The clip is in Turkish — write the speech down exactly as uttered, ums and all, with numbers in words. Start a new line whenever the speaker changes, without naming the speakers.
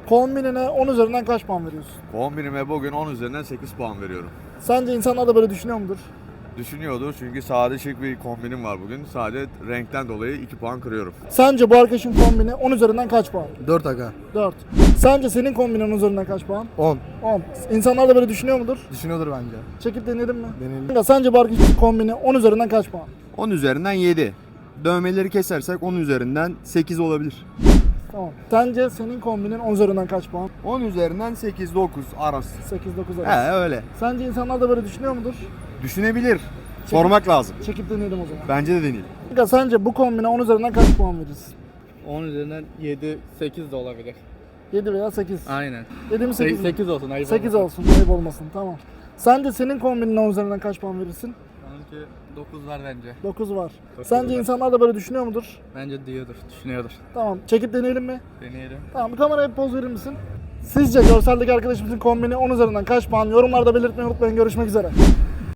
Kombinine on üzerinden kaç puan veriyorsun?
Kombinime bugün on üzerinden sekiz puan veriyorum.
Sence insanlar da böyle düşünüyor mudur?
Düşünüyordur çünkü sade şık bir kombinim var bugün. Sadece renkten dolayı iki puan kırıyorum.
Sence bu arkadaşın kombini on üzerinden kaç puan?
dört aga.
dört. Sence senin kombinin on üzerinden kaç puan?
on.
on. İnsanlar da böyle düşünüyor mudur?
Düşünüyordur bence.
Çekip deneyelim mi?
Deneyelim.
Kanka, sence bu arkadaşın kombini on üzerinden kaç puan?
on üzerinden yedi. Dövmeleri kesersek on üzerinden sekiz olabilir.
Tamam. Sence senin kombinin on üzerinden kaç puan?
on üzerinden sekiz dokuz arası.
sekiz dokuz arası.
He öyle.
Sence insanlar da böyle düşünüyor mudur?
Düşünebilir. Sormak lazım.
Çekip deneyelim o zaman.
Bence de deneyelim.
Kanka, sence bu kombine on üzerinden kaç puan verirsin?
on üzerinden yedi sekiz de olabilir.
yedi veya sekiz.
Aynen.
yedi mi sekiz mi?
sekiz olsun. Ayıp
sekiz
olmasın.
olsun, ayıp olmasın. Tamam. Sence senin kombinin on üzerinden kaç puan verirsin?
Onunki dokuz var bence.
dokuz var.
Dokuz
Sence
var.
insanlar da böyle düşünüyor mudur?
Bence diyordur, düşünüyordur.
Tamam. Çekip deneyelim mi?
Deneyelim.
Tamam. Bir kameraya bir poz verir misin? Sizce görseldeki arkadaşımızın kombini on üzerinden kaç puan? Yorumlarda belirtmeyi unutmayın. Görüşmek üzere.